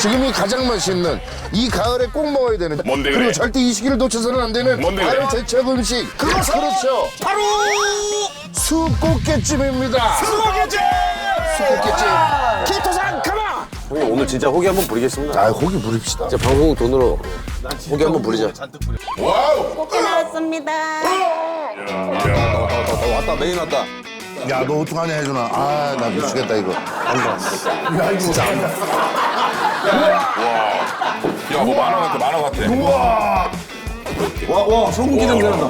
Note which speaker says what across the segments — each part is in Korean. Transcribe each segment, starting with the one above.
Speaker 1: 지금이 가장 맛있는 이 가을에 꼭 먹어야 되는
Speaker 2: 뭔데
Speaker 1: 그리고
Speaker 2: 그래?
Speaker 1: 절대 이 시기를 놓쳐서는 안 되는
Speaker 2: 뭔데
Speaker 1: 가을
Speaker 2: 그래?
Speaker 1: 제철 음식 그렇죠
Speaker 3: 바로
Speaker 1: 수꽃게찜입니다.
Speaker 3: 수고겠지.
Speaker 1: 수꽃게찜.
Speaker 3: 키토산 가마.
Speaker 4: 형님 오늘 진짜 호기 한번 부리겠습니다.
Speaker 1: 아 고기 부립시다.
Speaker 4: 진짜 방송 돈으로 호기 한번 부리자.
Speaker 2: 와우.
Speaker 5: 꽃게 나왔습니다.
Speaker 4: 왔다 메인 왔다.
Speaker 1: 야 너 어떡하냐 혜준아. 아 나 미치겠다 이거. 야 이거 진짜 안 돼.
Speaker 2: 야, 뭐 만화 같아, 만화 같아.
Speaker 4: 와 소고기 냄새 난다.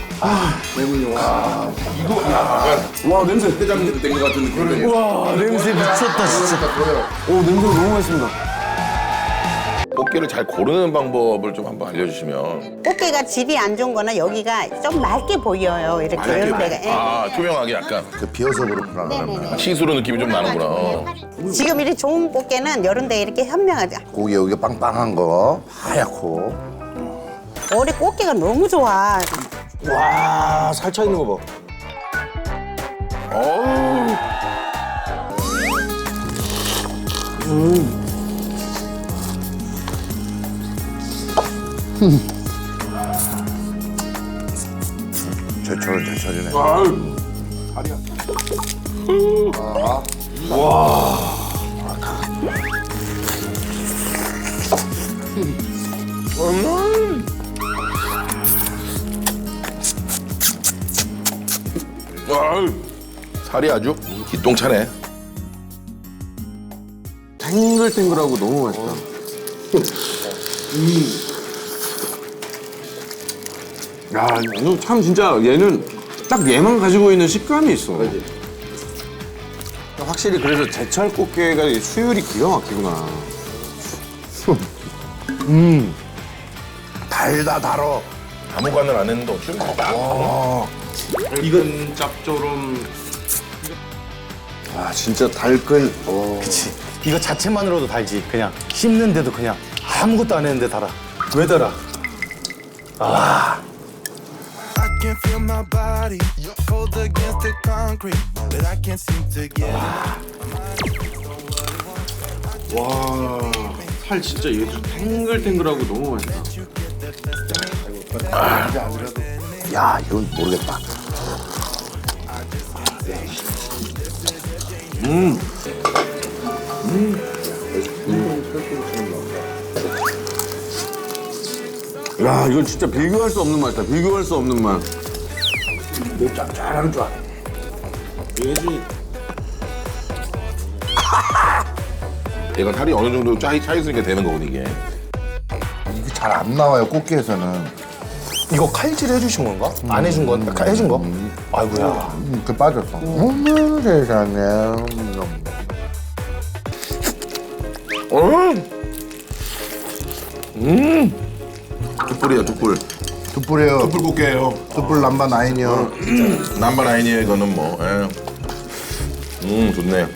Speaker 4: 와 냄새.
Speaker 2: 회장님 된것 같은 느낌.
Speaker 4: 와 냄새 미쳤다 진짜. 오 냄새 너무 맛있습니다.
Speaker 2: 꽃게를 잘 고르는 방법을 좀 한번 알려주시면.
Speaker 5: 꽃게가 질이 안 좋은 거는 여기가 좀 맑게 보여요. 이렇게 이런 데가. 예.
Speaker 2: 아, 투명하게 약간
Speaker 1: 그 비어서 그렇구나.
Speaker 5: 네네네.
Speaker 2: 시스루 느낌이 좀 나는구나.
Speaker 5: 지금 이렇게 좋은 꽃게는 이런 데 이렇게 현명하죠.
Speaker 1: 고기 여기 빵빵한 거 하얗고.
Speaker 5: 올해 꽃게가 너무 좋아.
Speaker 4: 와 살차 있는 거 봐.
Speaker 2: 어우.
Speaker 1: 제철은 제철이네.
Speaker 2: 아유, 살이 아주 기똥차네.
Speaker 4: 탱글탱글하고 너무 맛있다. 야, 이거 참 진짜 얘는 딱 얘만 가지고 있는 식감이 있어. 확실히 그래서 제철 꽃게가 수율이 기가 막히구나.
Speaker 1: 달다 달어.
Speaker 2: 아무 간을 안 했는데 어쩜
Speaker 4: 이건 짭조름. 아 진짜 달끈.
Speaker 3: 그치. 이거 자체만으로도 달지. 그냥 씹는데도 그냥 아무것도 안 했는데 달아. 왜 달아?
Speaker 6: I can feel my body cold against the concrete, but I can't seem to get
Speaker 4: 와, 살 진짜 얘도 탱글탱글하고 너무 맛있다.
Speaker 1: 야 이건 모르겠다.
Speaker 4: 야, 이건 진짜 비교할 수 없는 맛이다. 비교할 수 없는 맛.
Speaker 1: 짭짤한 줄.
Speaker 4: 얘지.
Speaker 2: 얘가 살이 어느 정도 차 있으니까 되는 거거든, 이게.
Speaker 1: 이게 잘 안 나와요 꽃게에서는.
Speaker 3: 이거 칼질 해주신 건가? 안 해준 건? 해준 거? 아이고야.
Speaker 1: 그 빠졌어. 세상에.
Speaker 2: 툭불이야, 툭불.
Speaker 1: 툭불이에요.
Speaker 2: 툭불 꽃게예요.
Speaker 1: 툭불 남바 나인이요.
Speaker 2: 남반 아이니에 이거는 뭐. 좋네.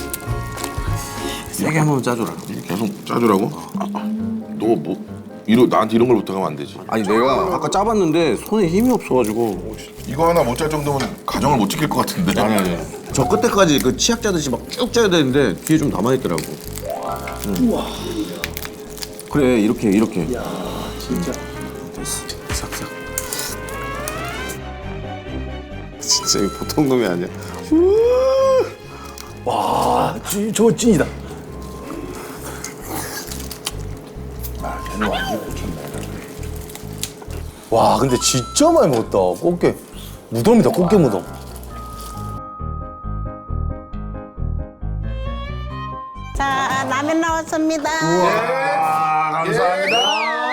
Speaker 4: 세게 한번 짜줘라.
Speaker 2: 계속 짜주라고? 너 뭐, 나한테 이런 걸 부탁하면 안 되지.
Speaker 4: 아니 내가 아까 짜봤는데 손에 힘이 없어가지고.
Speaker 2: 이거 하나 못 짤 정도면 가정을 못 지킬 것 같은데.
Speaker 4: 아니. 저 끝에까지 그 치약 짜듯이 막 쭉 짜야 되는데 뒤에 좀 남아있더라고. 우와. 그래 이렇게. 이야 진짜. 됐어. 싹싹. 진짜 이거 보통 놈이 아니야.
Speaker 3: 와, 저거 찐이다. 와, 근데 진짜 많이 먹었다. 꽃게. 무덤이다, 꽃게 무덤.
Speaker 5: 자, 라면 나왔습니다.
Speaker 1: 감사합니다.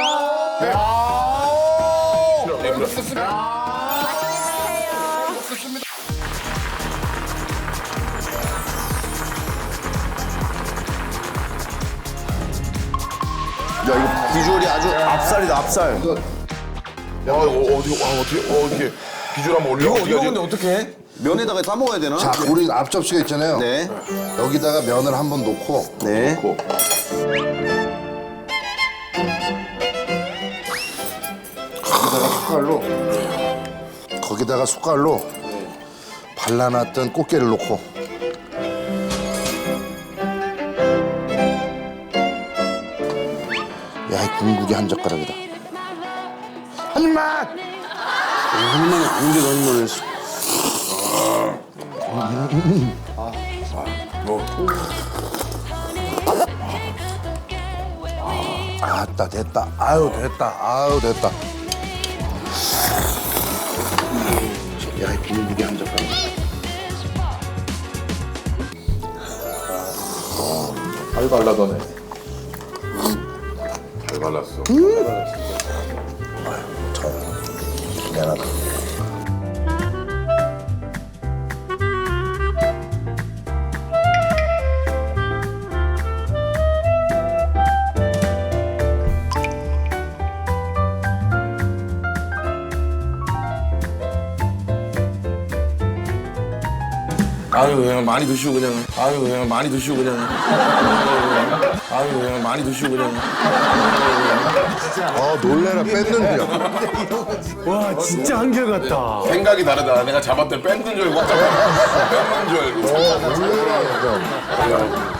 Speaker 4: 야 이거 비주얼이 아주 앞살이다 앞살.
Speaker 2: 야, 이거 어떻게 비주얼 한번 올려? 어떻게 하지?
Speaker 4: 어떻게? 면에다가 싸 먹어야 되나?
Speaker 1: 자 우리 앞접시가 있잖아요.
Speaker 4: 네.
Speaker 1: 여기다가 면을 한번 놓고
Speaker 4: 네.
Speaker 1: 거기다가 숟갈로 발라놨던 꽃게를 넣고 야, 이 궁극이 한 젓가락이다. 한 입만!
Speaker 4: 한입만이 아닌데도 한입만을 했어.
Speaker 1: 아따, 됐다. 아유, 됐다. 아유, 됐다. 야, 이 궁극이 한 젓가락.
Speaker 2: 잘 발라더네. 잘 발랐어.
Speaker 1: 미안하다.
Speaker 2: 아유 그냥 많이 드시고 그냥. 아유 그냥 많이 드시고 그냥. 아유 그냥 많이 드시고 그냥.
Speaker 1: 놀래라, 뺏는 줄.
Speaker 3: 와 진짜 한결같다.
Speaker 2: 생각이 다르다. 내가 잡았을 때 뺏는 줄 알고 뺏는 줄 알고.
Speaker 1: 놀래라, 좀.